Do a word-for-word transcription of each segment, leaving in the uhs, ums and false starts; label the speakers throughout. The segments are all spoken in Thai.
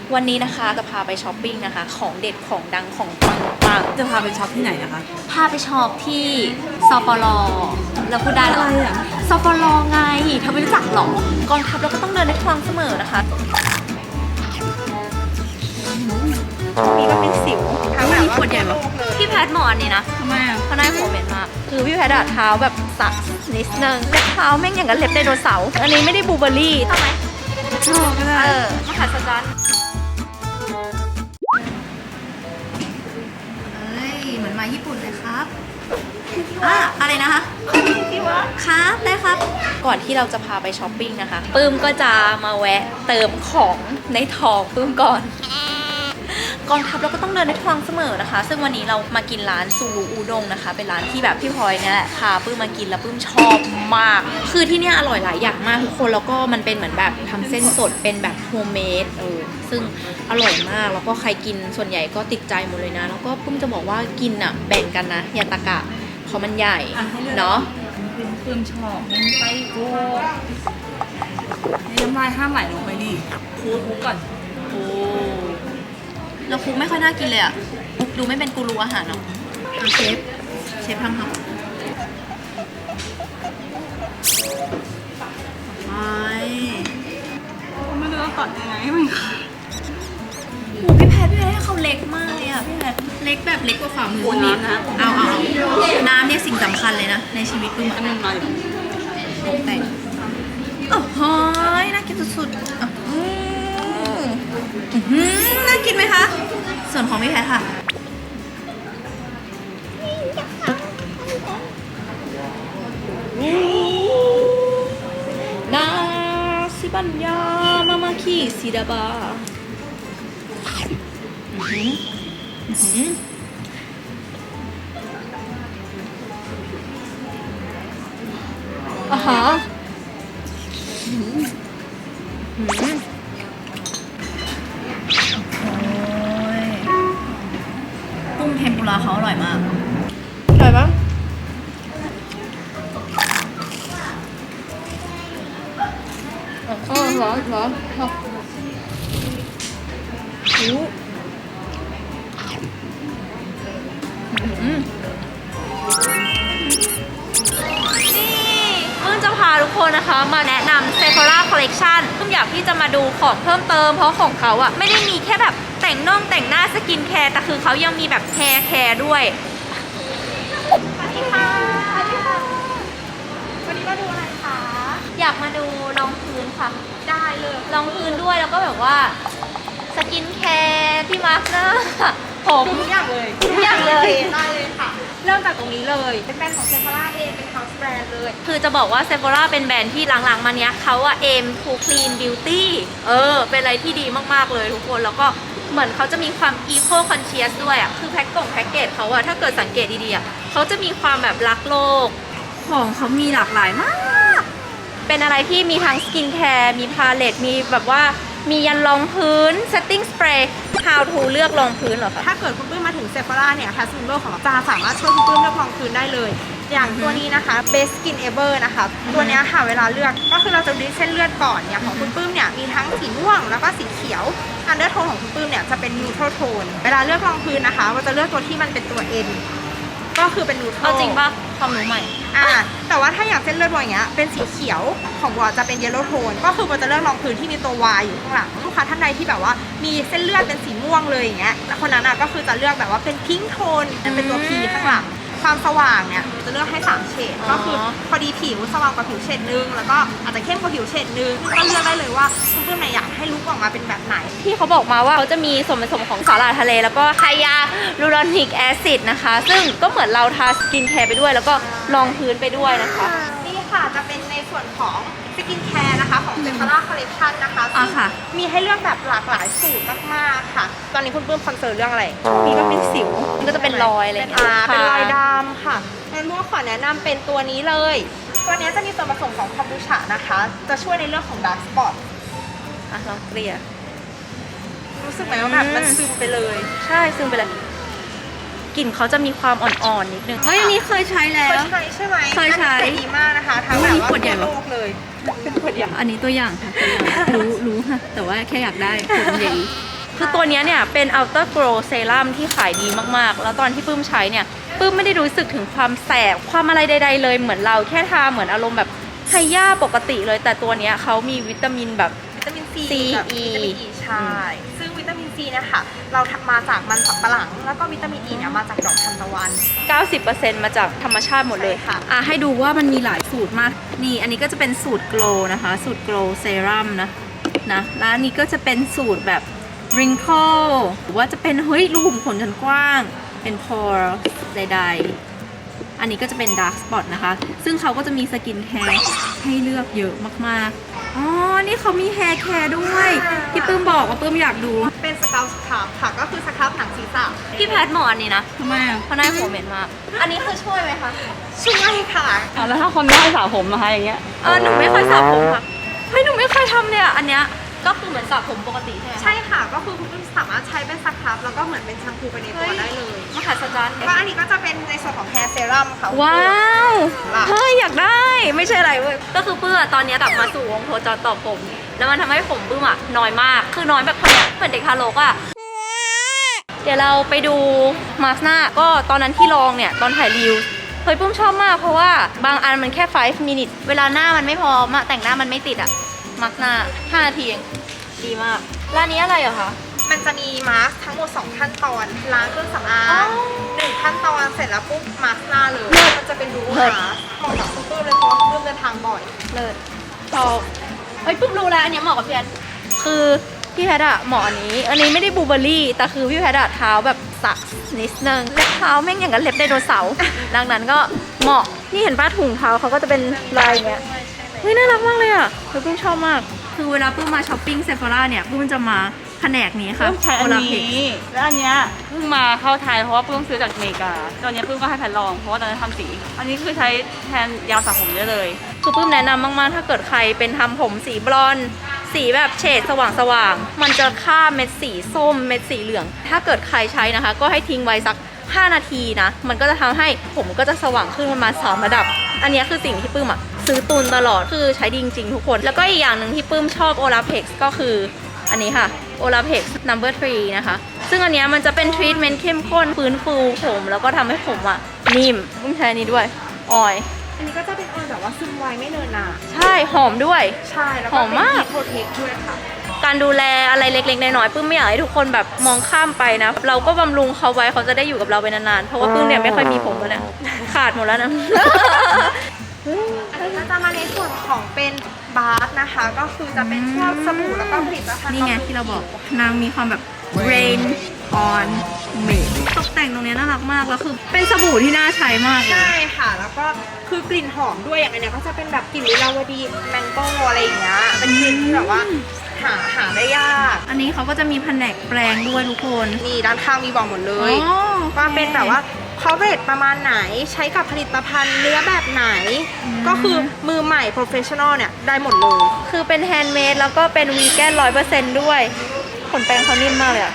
Speaker 1: วันนี้นะคะจะพาไปช้อปปิ้งนะคะของเด็ดของดังของปังปัง
Speaker 2: จะพาไปช็อปที่ไหนนะคะ
Speaker 1: พาไปช็อปที่ซปลแล้วพูดได้เหรอ
Speaker 2: อะไรอ่ะ
Speaker 1: ซปลไงเธอไม่รู้จักหรอกองทัพเราก็ต้องเดินด้วยความเสมอนะคะมีก็เป็นสิวทั้งแบบว่าปวดใหญ่แบบพี่แพทย์หมออันนี้นะ
Speaker 2: ทำไมอ่ะ
Speaker 1: เขาได้หัวเหม็นมากคือพี่แพทย์อะเท้าแบบสักนิดนึงเล็บเท้าแม่งอย่างกับเล็บไดโนเสาร์อันนี้ไม่ได้บลูเบอร์รี่ทำไม
Speaker 2: ชอบก็ได้
Speaker 1: เออมหัศจรรย์เอ้ยเหมือนมาญี่ปุ่นเลยครับอ่ะอะไรนะคะครับได้ครับ ก่อนที่เราจะพาไปช้อปปิ้งนะคะปื้มก็จะมาแวะเติมของในท้องปื้มก่อนกองทัพเราก็ต้องเดินด้วยความเสมอนะคะ ซึ่งวันนี้เรามากินร้านซูรุอูด้งนะคะเป็นร้านที่แบบพี่พลอยเนี่ยแหละพาปื้มมากินแล้วปื้มชอบมากคือที่เนี่ยอร่อยหลายอย่างมากทุกคนแล้วก็มันเป็นเหมือนแบบทำเส้นสดเป็นแบบโฮมเมดเออซึ่งอร่อยมากแล้วก็ใครกินส่วนใหญ่ก็ติดใจหมดเลยนะแล้วก็ปื้มจะบอกว่ากินอ่ะแบ่งกันนะอย่าตะกะเพราะมันใหญ่
Speaker 2: อ่ะให้เลือก
Speaker 1: เนาะ
Speaker 2: เป็นเพิ่มชอบเน้นไปโก้ในน้ำลายห้ามไหลลงไปดิคูคูก่อนโอ้
Speaker 1: แล้วคุกไม่ค่อยน่ากินเลยอ่ะคุกดูไม่เป็นกูรูอาหารเนาะเชฟเชฟทำค่ะไม่
Speaker 2: ไม่รู้จะตัดยังไงให้มัน
Speaker 1: โอ้พี่แพทย์พี่แพทย์ให้เขาเล็กมากเลยอ่ะพี่แพทย์เล็กแบบเล็กกว่าฝ่ามือนิดนะเอาเอาเอาน้ำเนี่ยสิ่งสำคัญเลยนะในชีวิตปื้ม
Speaker 2: อันนึงมาอยู่
Speaker 1: ตกแต่งโอ้โหน่ากินสุดๆอ่ะอืมอื้อหือน่ากินไหมคะส่วนของพี่แพทย์ค่ะนาซิบัญญามามาคีซิดาบาอื้อหืออื้อหืออ่าฮะอื้อหือโอ้ยกุ้งเทมปุระเขาอร่อยมากอร่อยปะเออร้อนร้อนโอ้อืมนี่เพิ่งจะพาทุกคนนะคะมาแนะนำ Sephora Collection เพิ่งอยากที่จะมาดูของเพิ่มเติมเพราะของเขาอะไม่ได้มีแค่แบบแต่งน่องแต่งหน้าสกินแคร์แต่คือเขายังมีแบบแฮร์แคร์ด้วยสวัสดีค่ะสวัสดีค่ะวันนี้มาดูอะไรคะอยากมาดูรองพื้นค่ะได้เลยรองพื้นด้วยแล้วก็แบบว่าสกินแคร์ที่มาร์คหน้าผม
Speaker 3: ทุกอย่างเลย
Speaker 1: ทุกอย่างเลย
Speaker 3: ได้เลยค่ะ เริ่มจากตรงนี้เลย เป็นแบรนด์ของเซฟ h ร่าเอง เป็น house brand เลย
Speaker 1: คือจะบอกว่า Sephora เป็นแบรนด์ที่หลังๆมาเนี้ยเขาอะ aim to clean beauty เออ เป็นอะไรที่ดีมากๆเลยทุกคน แล้วก็เหมือนเขาจะมีความ eco conscious ด้วยอะคือแพ็คกล่องแพ็กเกจเขาอะถ้าเกิดสังเกตดีๆอะเขาจะมีความแบบรักโลก ของเขามีหลากหลายมาก เป็นอะไรที่มีทั้งสกินแคร์มีพาเลตมีแบบว่ามียันรองพื้น setting spray how to เลือกรองพื้นเหรอคะ
Speaker 3: ถ้าเกิดคุณปื้มมาถึงเซฟ h ร่าเนี่ย Task Member ของเราจะสามารถช่วยคุณปื้มเลือกรองพื้นได้เลย อย่างตัวนี้นะคะ Best Skin Ever นะคะ ตัวเนี้ยค่ะเวลาเลือกก็คือเราจะดูเส้นเลือดก่อนเนี่ยของคุณปื้มเนี่ยมีทั้งสีม่วงแล้วก็สีเขียว อันเดอร์โทนของคุณปื้มเนี่ยจะเป็น neutral tone เวลาเลือกรองพื้นนะคะเราจะเลือกตัวที่มันเป็นตัว N ก็คือเป็น neutral
Speaker 1: เอาจริงป่ะความรู้ใหม่
Speaker 3: อ่าแต่ว่าถ้าอย่างเส้นเลือดบัวอย่างเงี้ยเป็นสีเขียวของบัวจะเป็นเยลโล่โทนก็คือบัวจะเลือกรองพื้นที่มีตัว Y อยู่ข้างหลังลูกค้าท่านใดที่แบบว่ามีเส้นเลือดเป็นสีม่วงเลยอย่างเงี้ยคนนั้นอ่ะก็คือจะเลือกแบบว่าเป็นพิงค์โทนเป็นตัว P ข้างหลังความสว่างเนี่ยจะเลือกให้สามเฉด
Speaker 1: อ๋อ
Speaker 3: ก็คือพอดีผิวสว่างกว่าผิวเฉดนึงแล้วก็อาจจะเข้มกว่าผิวเฉดนึงก็เลือกได้เลยว่าคุณเพื่อนไหนอยากให้ลุคออกมาเป็นแบบไหน
Speaker 1: ที่เขาบอกมาว่าเขาจะมีส่วนผสมของสาหร่ายทะเลแล้วก็ไฮยาลูรอนิกแอซิดนะคะ ซึ่งก็เหมือนเราทาสกินแคร์ไปด้วย แล้วก็รองพื้นไปด้วยนะคะ
Speaker 3: นี่ค่ะจะเป็นในส่วนของสกินแคร์นะคะของเซฟ h ร่าคอลเลคชันนะคะ
Speaker 1: อ่ะค่ะ
Speaker 3: มีให้เลือกแบบหลากหลายสูตรมากๆค่ะ ตอนนี้คุณปื้มคอนเซิร์นเรื่องอะไร
Speaker 1: มีก็เป็นสิวมันก็จะเป็นรอยอะไรอย่างเงี้ย
Speaker 3: อ่าเป็นรอย
Speaker 1: ค่ะ
Speaker 3: ดำค่ะงั้นพวกขอแนะนำเป็นตัวนี้เลย ตัวนี้จะมีส่วนผสมของคอมบูชานะคะ จะช่วยในเรื่องของดาร์กสปอต
Speaker 1: อ่ะลองเกลี่ย
Speaker 3: รู้สึกไหมว่าแบบมันซึมไปเลย
Speaker 1: ใช่ซึ่งไปเลยกลิ่นเขาจะมีความอ่อนๆนิดนึงเฮ้ยอันนี้เคยใช้แล้
Speaker 3: เคยว ใช้ใช่ไหม
Speaker 1: เคยใช้
Speaker 3: อันนี้ดีมากนะคะทั้งแบบว่า
Speaker 1: ขวดใหญ่
Speaker 3: ทั่ว
Speaker 1: ปะ
Speaker 3: โลกเลยเป็นขวดใหญ่
Speaker 2: อันนี้ตัวอย่างค่ะตัวอย่างรู้รู้ค่ะ แต่ว่าแค่อยากได้ผลใหญ่
Speaker 1: คือตัวเนี้ยเนี่ยเป็น Ultra Glow Serum ที่ขายดีมากๆ แล้วตอนที่ปื้มใช้เนี่ยปื้มไม่ได้รู้สึกถึงความแสบความอะไรใดๆเลยเหมือนเราแค่ทาเหมือนอารมณ์แบบไฮย่าปกติเลยแต่ตัวเนี้ยเขามีวิตามินแบบ
Speaker 3: วิตามินซี
Speaker 1: C
Speaker 3: กับ
Speaker 1: E
Speaker 3: วิตามิน E ใช่ ซึ่งวิตามินซีเนี่ยค่ะ เราทำมาจากมันสำปะหลัง แล้วก็วิตามิน E เนี่ยมาจากดอกทานตะวัน
Speaker 1: เก้าสิบเปอร์เซ็นต์ มาจากธรรมชาติหมดเลย
Speaker 3: ใช่ค่ะ
Speaker 1: อ่ะให้ดูว่ามันมีหลายสูตรมากนี่อันนี้ก็จะเป็นสูตร Glow นะคะสูตร Glow Serum นะนะแล้วอันนี้ก็จะเป็นสูตรแบบ wrinkle หรือว่าจะเป็นเฮ้ยรูขุมขนชั้นกว้างเป็น pore ใดๆอันนี้ก็จะเป็น dark spot นะคะซึ่งเขาก็จะมีสกินแคร์ให้เลือกเยอะมากๆอ๋อนี่เขามี hair care ด้วยที่ปื้มบอกว่าปื้มอยากดู
Speaker 3: เป็นสครับสครับค่ะ ก็คือสครับหนังศีรษะ
Speaker 1: พี่แพทย์หมออันนี้นะ
Speaker 2: ทำไมอ่ะ
Speaker 1: เพราะหน้าหัวเหม็นมากอันนี้คือช่วยไหมคะ
Speaker 3: ช่วยค่ะ
Speaker 2: อ่ะแล้วถ้าคนไม่ให้สระผมนะคะอย่างเงี้ย
Speaker 1: เออหนูไม่เคยสระผมค่ะเฮ้ยหนูไม่เคยทำเนี่ยอันเนี้ยก็คือเหมือนสระผมปกติใช่ไหม
Speaker 3: ใช่ค่ะ ก็คือคุณผู้ชมสามารถใช้เป็นสครับแล้วก็เหมือนเป็นแชมพูไปในตัวได้เลย
Speaker 1: มหัศจรรย์
Speaker 3: ก็อันนี้ก็จะเป็นในส่วนของ hair serum ค่ะ
Speaker 1: ว้าว
Speaker 3: ล่ะ
Speaker 1: เฮ้ยอยากได้ไม่ใช่อะไรเว้ยก็คือเพื่อตอนเนี้ยกลับมาสู่วงโคจรต่อผม แล้วมันทำให้ผมปื้มอะน้อยมากคือน้อยแบบคนเนี้ยเหมือนเด็กทารกอะเดี๋ยวเราไปดูมาสก์หน้าก็ตอนนั้นที่ลองเนี่ยตอนถ่ายรีวิวเฮ้ยปื้มชอบมากเพราะว่าบางอันมันแค่5 minutes เวลาหน้ามันไม่พอมาแต่งหน้ามันไม่ติดอะมาสก์หน้าห้านาทีเองดีมากร้านนี้อะไรเหรอคะ
Speaker 3: มันจะมีมาสก์ทั้งหมดสองขั้นตอน ล้างเครื่องสำอา
Speaker 1: อ๋อ
Speaker 3: งหนึ่งขั้นตอนเสร็จแล้วปุ๊บมาสก์หน้าเลย มันจะเป็นดู
Speaker 1: เลิศ
Speaker 3: มาสก์เหมาะกับคุณปื้มเลยเพราะว่าคุณปื้มเดินทางบ่อย
Speaker 1: เลิศชอบเฮ้ยปุ๊บรู้แล้วอันเนี้ยเหมาะกับพี่แพทย์คือพี่แพทย์อะเหมาะอันนี้ อันนี้ไม่ได้บลูเบอร์รี่แต่คือพี่แพทย์อะเท้าแบบสักนิดนึงเล็บเท้าแม่งอย่างกับเล็บไดโนเสาร์ ดังนั้นก็เหมาะนี่เห็นป้าถุงเท้าเขาก็จะเป็นลายอย่างเงี้ยเฮ้ยน่ารักมากเลยอะคือปุ้มชอบมาก คือเวลาปุ้มมาช้อปปิ้งเซฟ h ร่าเนี่ยปุ้มจะมาแผนกนี้ค่ะ
Speaker 2: เพิ่งใช้อัน
Speaker 1: Olaplex
Speaker 2: นี้ แล้วอันเนี้ยเพิ่งมาเข้าไทยเพราะว่าเพิ่งซื้อจากอเมริกาตอนนี้เพิ่งก็ให้แพทลองเพราะว่าตอนนั้นทำสี อันนี้คือใช้แทนยาวสระผมได้เลย
Speaker 1: คือปื้มแนะนำมากๆ ถ้าเกิดใครเป็นทำผมสีบลอนด์สีแบบเฉดสว่างๆ มันจะฆ่าเม็ดสีส้มเม็ดสีเหลือง ถ้าเกิดใครใช้นะคะ ก็ให้ทิ้งไว้สักห้านาทีนะ มันก็จะทำให้ผมก็จะสว่างขึ้นประมาณสามระดับ อันนี้คือสิ่งที่ปื้มอะซื้อตุนตลอด คือใช้ดีจริงๆทุกคน แล้วก็อีกอย่างหนึ่งที่ปื้มชอบ Olaplex ก็คืออันนี้ค่ะ Olaplex number three นะคะ ซึ่งอันเนี้ยมันจะเป็นทรีทเมนต์เข้มข้นฟื้นฟูผมแล้วก็ทำให้ผมอะนิ่มปื้มใช้อันนี้ด้วยออยล์
Speaker 3: อันนี้ก็จะเป็นออยล์แบบว่าซึมไวไม่เนินหนา
Speaker 1: ใช่หอมด้วย
Speaker 3: ใช่ แล้ว
Speaker 1: ห
Speaker 3: ก็
Speaker 1: อม
Speaker 3: เป็น
Speaker 1: มาก
Speaker 3: ฮีทโปรเทคด้วยค่ะ
Speaker 1: การดูแลอะไรเล็กๆน้อยๆปื้มไม่อยากให้ทุกคนแบบมองข้ามไปนะ เราก็บำรุงเขาไว้เขาจะได้อยู่กับเราไปนานๆ เพราะว่าปื้มเนี่ยไม่ค่อยมีผมแล้วนะขาดหมดแล้วนะ
Speaker 3: อันนี้ก็จะมาในส่วนของเป็นบาร์นะคะ ก็คือจะเป็นพวกสบู่แล้วก็ผลิตภัณฑ์
Speaker 1: นี่ไงที่เราบอกนางมีความแบบ rain on me ตกแต่งตรงเนี้ยน่ารักมากแล้วคือเป็นสบู่ที่น่าใช้มากเลย
Speaker 3: ใช่ค่ะ แล้วก็คือกลิ่นหอมด้วยอย่างอันเนี้ยก็จะเป็นแบบกลิ่นลิลาวดีแมงโก้อะไรอย่างเงี้ยเป็นกลิ่นที่แบบว่าหาหาได้ยาก
Speaker 1: อันนี้เขาก็จะมีแผนกแปลงด้วยทุกคน
Speaker 3: นี่ด้านข้างมีบอกหมดเลย
Speaker 1: อ๋อ
Speaker 3: ว่าเป็นแบบว่าเขาเรทประมาณไหนใช้กับผลิตภัณฑ์เนื้อแบบไหน ก็คือมือใหม่ professional เนี่ยได้หมดเลย
Speaker 1: คือเป็นแฮนด์เมดแล้วก็เป็นวีแกนร้อยเปอร์เซ็นต์ด้วยขนแปรงเขานิ่มมากเลยอะ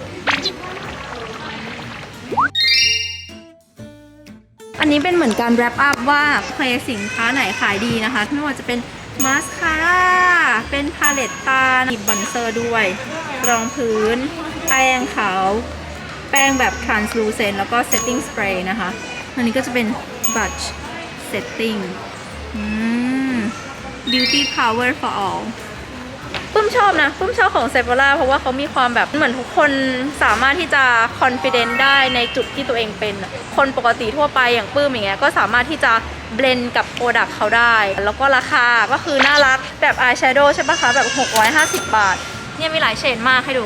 Speaker 1: อันนี้เป็นเหมือนการแรปอัพว่าเคยสินค้าไหนขายดีนะคะไม่ว่าจะเป็นมาสคาร่าเป็นพาเลตตาหยิบบอนเซอร์ด้วย รองพื้น แป้งขาว แป้งแบบ translucent แล้วก็ setting spray นะคะ อันนี้ก็จะเป็น brush setting อืม beauty power for all ปุ้มชอบนะปุ้มชอบของ Sephora เพราะว่าเขามีความแบบเหมือนทุกคนสามารถที่จะ confident ได้ในจุดที่ตัวเองเป็นอะคนปกติทั่วไปอย่างปื้มอย่างเงี้ยก็สามารถที่จะเบลนกับโปรดักต์เขาได้ แล้วก็ราคาก็คือน่ารักแบบอายแชโดว์ใช่ปะคะ แบบหกร้อยห้าสิบบาท เนี่ยมีหลายเฉดมากให้ดู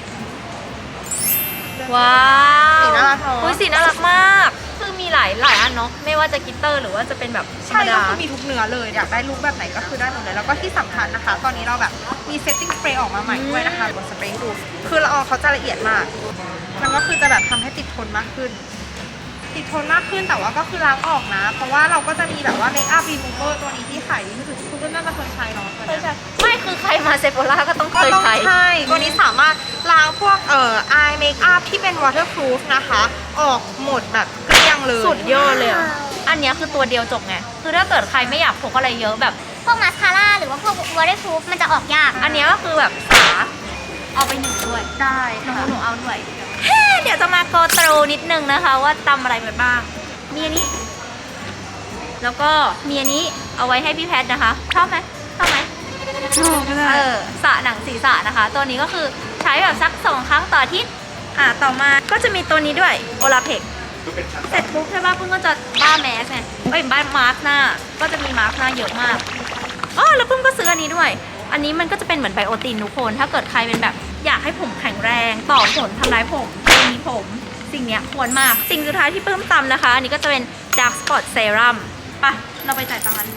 Speaker 1: ว้าว
Speaker 3: สีน่ารักเนอะ
Speaker 1: อุ๊ยสีน่ารักมาก คือมีหลายหลายอันเนาะไม่ว่าจะกลิตเตอร์หรือว่าจะเป็นแบบธร
Speaker 3: ใช่
Speaker 1: รม
Speaker 3: ก็
Speaker 1: ดา
Speaker 3: คือมีทุกเนื้อเลย อยากได้ลุคแบบไหนก็คือได้หมดเลย แล้วก็ที่สำคัญนะคะ ตอนนี้เราแบบมี setting spray ออกมาใหม่ด้วยนะคะบนสเปรย์ให้ดู คือละอองเขาจะละเอียดมาก มันก็คือจะแบบทำให้ติดทนมากขึ้น ติดทนมากขึ้นแต่ว่าก็คือล้างออกนะ เพราะว่าเราก็จะมีแบบว่า make up remover ตัวนี้ที่ขายดีที่สุดคุณก็น่าจะเคยใช้เนาะตัว
Speaker 1: เคย
Speaker 3: เนี้ย
Speaker 1: ใช้ไม่คือใครมาเซฟโ r ่าก็ต้องเค
Speaker 3: ก็
Speaker 1: ย
Speaker 3: ต้อง
Speaker 1: ใช้
Speaker 3: ใช่ตัวนี้สามารถล้างพวกเอ่อ eye makeup ที่เป็น waterproof นะคะ ออกหมดแบบเกลี้ยงเลย
Speaker 1: สุดยอดเลยอะอันเนี้ยคือตัวเดียวจบไง คือถ้าเกิดใครไม่อยากพกอะไรเยอะแบบ
Speaker 4: พวกมาสคาร่าหรือว่าพวก waterproof มันจะออกยาก
Speaker 1: อันเนี้ยก็คือแบบสาเอาไปหนึ่งด้วย
Speaker 3: ได้
Speaker 1: หนู
Speaker 3: ค่ะ
Speaker 1: หนูเอาด้วยเฮ้เดี๋ยวจะมาโกโตรนิดนึงนะคะ ว่าตำอะไรไปบ้าง มีอันนี้ แล้วก็มีอันนี้เอาไว้ให้พี่แพทนะคะ ชอบไหมชอบไหม
Speaker 3: ชอบก็ได้
Speaker 1: เออสระหนังศีรษะนะคะ ตัวนี้ก็คือใช้แบบสักสองครั้งต่ออาทิตย์อ่าต่อมาก็จะมีตัวนี้ด้วยโอลาเพกเสร็จปุ๊บใช่ป่ะเพิ่งก็จะบ้าแมสไงเอ้ยบ้ามาร์กหน้า ก็จะมีมาร์กหน้าเยอะมากอ๋อแล้วเพิ่งก็ซื้ออันนี้ด้วย อันนี้มันก็จะเป็นเหมือนไบโอตินทุกคน ถ้าเกิดใครเป็นแบบอยากให้ผมแข็งแรง ต่อผลทำลายผมมีผม สิ่งเนี้ยควรมาก สิ่งสุดท้ายที่เพิ่มตำนะคะ อันนี้ก็จะเป็น Dark Spot Serum ไปเราไปจ่ายตังค์กัน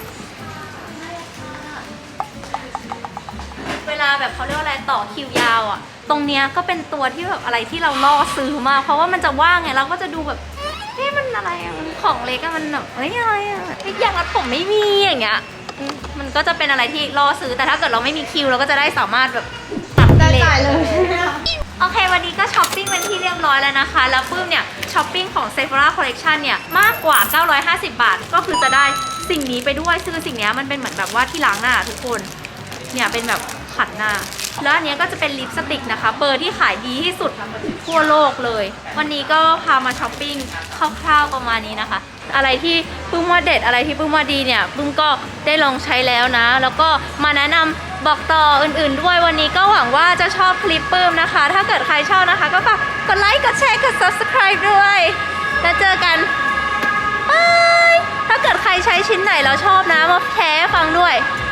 Speaker 1: เวลาแบบเขาเรียกว่าอะไรต่อคิวยาวอ่ะ ตรงเนี้ยก็เป็นตัวที่แบบอะไรที่เราล่อซื้อมาก เพราะว่ามันจะว่างไงเราก็จะดูแบบเฮ้ยมันอะไรอะมันของเล็กอะมันแบบเฮ้ยอะไรอะเฮ้ยอย่างรัดผมไม่มีอย่างเงี้ยอืมมันก็จะเป็นอะไรที่ล่อซื้อแต่ถ้าเกิดเราไม่มีคิวเราก็จะได้สามารถแบบตัด
Speaker 3: ได้
Speaker 1: เล
Speaker 3: จ่ายเลย
Speaker 1: โอเควันนี้ก็ช้อปปิ้งเป็นที่เรียบร้อยแล้วนะคะ แล้วปื้มเนี่ยช้อปปิ้งของ Sephora Collection เนี่ยมากกว่าเก้าร้อยห้าสิบบาท ก็คือจะได้สิ่งนี้ไปด้วยซึ่งสิ่งเนี้ยมันเป็นเหมือนแบบว่าที่ล้างหน้าทุกคนเนี่ยเป็นแบบขัดหน้า แล้วอันเนี้ยก็จะเป็นลิปสติกนะคะเบอร์ที่ขายดีที่สุดทั่วโลกเลย วันนี้ก็พามาช้อปปิ้งคร่าวๆประมาณนี้นะคะ อะไรที่ปื้มว่าเด็ดอะไรที่ปื้มว่าดีเนี่ยปื้มก็ได้ลองใช้แล้วนะ แล้วก็มาแนะนำบอกต่ออื่นๆด้วยวันนี้ก็หวังว่าจะชอบคลิปปื้มนะคะ ถ้าเกิดใครชอบนะคะ ก็ฝากกดไลค์กดแชร์กด subscribe ด้วยแล้วเจอกันบายถ้าเกิดใครใช้ชิ้นไหนแล้วชอบนะมาแชร์ให้ฟังด้วย